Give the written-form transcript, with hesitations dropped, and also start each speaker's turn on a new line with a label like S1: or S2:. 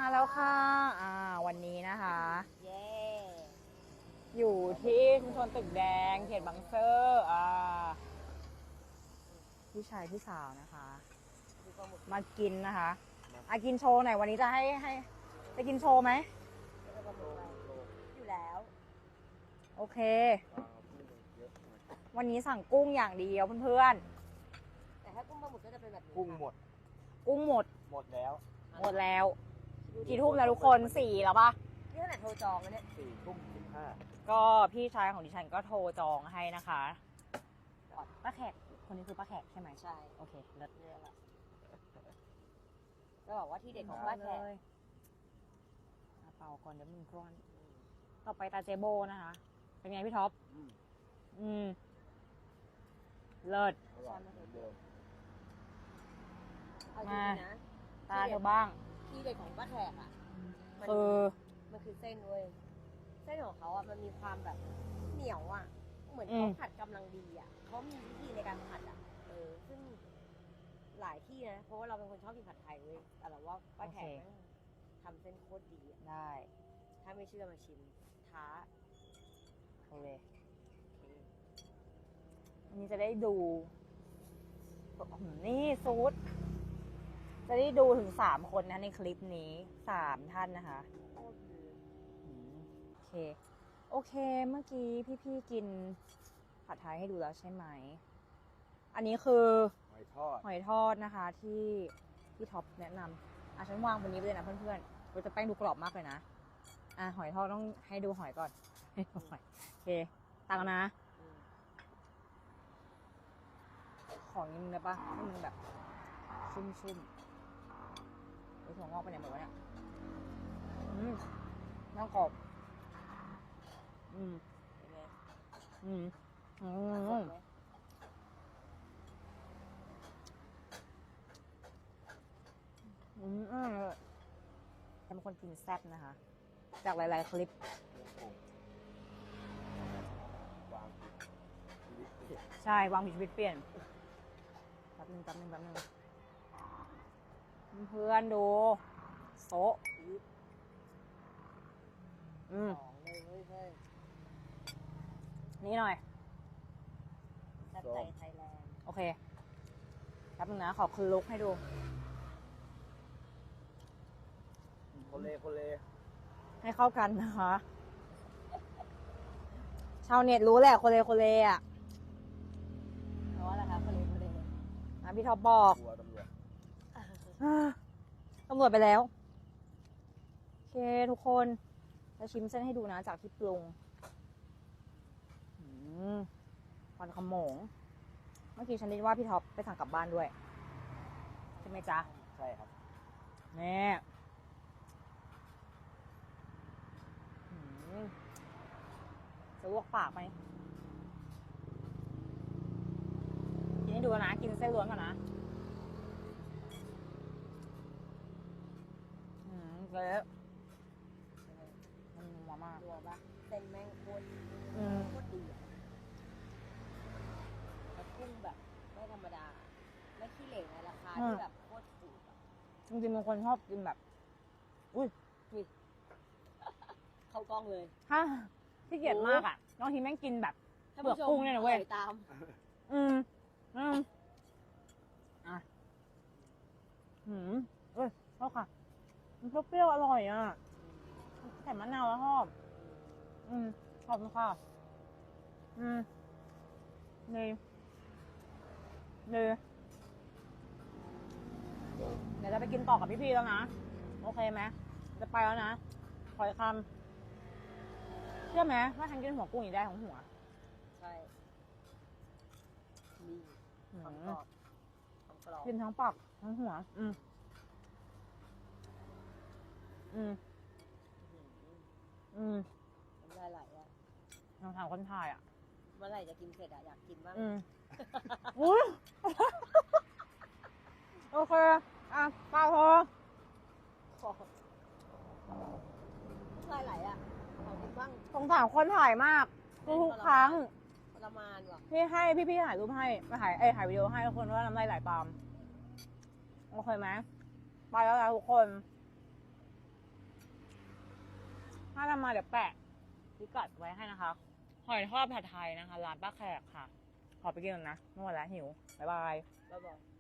S1: มาแล้วค่ะวันนี้นะคะ
S2: เย้
S1: อยู่ที่ชุมชนตึกแดงเขตบางซื่อพี่ชายพี่สาวนะคะ มากินนะคะกินโชว์หน่อยวันนี้จะให้ไปกินโชว์ไหม
S2: อยู่แล้ว
S1: โอเค วันนี้สั่งกุ้งอย่างเดียวเพื่อน
S2: แต่ถ้ากุ้งปลาหมึกก็จะเป็นแบบนี้
S3: กุ้งหมด
S1: ๆกุ้งหมด
S3: หมดแล้ว
S1: หมดแล้วกี่ทุ่มแล้วทุกคน 4แล้วปะ
S2: นี่ขนาดโทรจองแล้วเนี่ย
S3: 4:15
S1: ก็พี่ชายของดิฉันก็โทรจองให้นะคะป้าแขกคนนี้คือป้าแขกใช่ไหม
S2: ใช่
S1: โอเคเลิศ
S2: เนี่ยแหละจะบอกว่าที่เด็ดของป้าแขก
S1: เลยเป่าก่อนเดี๋ยวมึงกร้อนต่อไปตาเจโบนะคะ เป็นไงพี่ท็อปเลิศ
S3: อร่อยเหมือนเดิม
S2: เอาจริงๆนะ
S1: ตาเธอบ้าง
S2: ที่เด็ดของป้าแขกอ่ะมัน
S1: คือ
S2: มันคือเส้นเว้ยเส้นของเขาอ่ะมันมีความแบบเหนียวอ่ะ เหมือนเขาผัดกำลังดีอ่ะเขามีวิธีในการผัดอ่ะซึ่งหลายที่นะเพราะว่าเราเป็นคนชอบกินผัดไทยเว้ยแต่เราว่าป้าแขกแม่งทำเส้นโคตรดีอ่ะ
S1: ได้
S2: ถ้าไม่เชื่อมาชิมท้า
S1: โอเคอันนี้จะได้ดูนี่ซูดจะได้ดูถึง3 คนนะในคลิปนี้3 ท่านนะคะ
S2: โคตรดี
S1: โอเค โอเค เมื่อกี้พี่ๆกินผัดไทยให้ดูแล้วใช่ไหม อันนี้คือ
S3: หอยทอด
S1: หอยทอดนะคะที่ท็อปแนะนำฉันวางบนนี้ไปเลยนะเพื่อนๆเราจะแป้งดูกรอบมากเลยนะหอยทอดต้องให้ดูหอยก่อนให้ดูหอยโอเคตักนะ ของนี้มึงได้ปะให้มันแบบชุ่มๆไอ้ถั่วงอกไปไหนหมดวะเนี่ยน้ำกรอบ
S2: เป็นไง
S1: สดไหมฉันเป็นคนกินแซ่บนะคะ จากหลายๆคลิป
S3: วางชีวิตเปลี่ยน
S1: ใช่ วางผิดชีวิตเปลี่ยนแป๊บนึงเพื่อนดูโซะ
S2: ของเลยเว้ยเฮ้ย
S1: นี่หน่อย
S2: แซ่บใจไทยแลนด์
S1: โอเคแป๊บนึงนะ ขอคือลุกให้ดู
S3: โคเล
S1: ให้เข้ากันนะคะ ชาวเน็ตรู้แหละโคเลอ่ะ
S2: เพราะว่าอะไรคะคนเลย
S1: พี่ท็อปบอก
S3: กลัวตำรวจ
S1: ตำรวจไปแล้ว โอเคทุกคนจะชิมเส้นให้ดูนะจากที่ปรุงควันขโมง เมื่อกี้ฉันได้ว่าพี่ท็อปไปสั่งกลับบ้านด้วย ใช่ไหมจ๊ะ
S3: ใช่ครับ
S1: แม่จะลวกปากไหมกินให้ดูนะ กินเส้นล้วนก่อนนะเละมันนัวมาก
S2: รัวปะเส้นแม่งโคตรดีอ่ะแล้วกุ้งแบบไม่ธรรมดาไม่ขี้เหร่ในราคาที่แบบโคตรถูกอ่ะ
S1: จริงๆบางคนชอบกินแบบ
S2: เข้ากล้องเลย
S1: ถ้าที่เกียจมากอ่ะบางทีแม่งกินแบบ
S2: ท่าน
S1: เปลือก
S2: ผู้ชม
S1: กุ้งเนี่ยนะเว้ย
S2: ตาม
S1: ชอบค่ะ มันเปรี้ยวๆอร่อยอ่ะใส่มะนาวแล้วชอบขอบคุณค่ะนี่เดี๋ยวจะไปกินต่อกับพี่ๆแล้วนะ โอเคไหมจะไปแล้วนะ ขออีกคำเชื่อไหมว่าฉันกินหัวกุ้งอีกได้ของหัว
S2: ใช่นี่ความกรอบความกรอบ
S1: กินทั้งปากทั้งหัว
S2: น้ำลายไหลอ่ะ
S1: ลองถามคนถ่ายอ่ะ
S2: เมื่อไหร่จะกินเสร็จอ่ะอยากกินบ้าง
S1: อุ้ยโอเคข้าวพอ
S2: น้ำลายไหลอ่ะขอกินบ้าง
S1: สงสารคนถ่ายมากทุกครั้ง
S2: ทรมานว่ะ
S1: ที่ให้พี่ถ่ายรูปให้มาถ่ายวิดีโอให้ทุกคนว่าน้ำลายไหลตามโอเคไหมไปแล้วนะทุกคนถ้าทำมาเดี๋ยวแปะพิกัดไว้ให้นะคะ หอยทอดผัดไทยนะคะ ร้านป้าแขกค่ะ ขอไปกินก่อนนะไม่ไหวแล้วหิว บ๊ายบาย
S2: บ๊ายบาย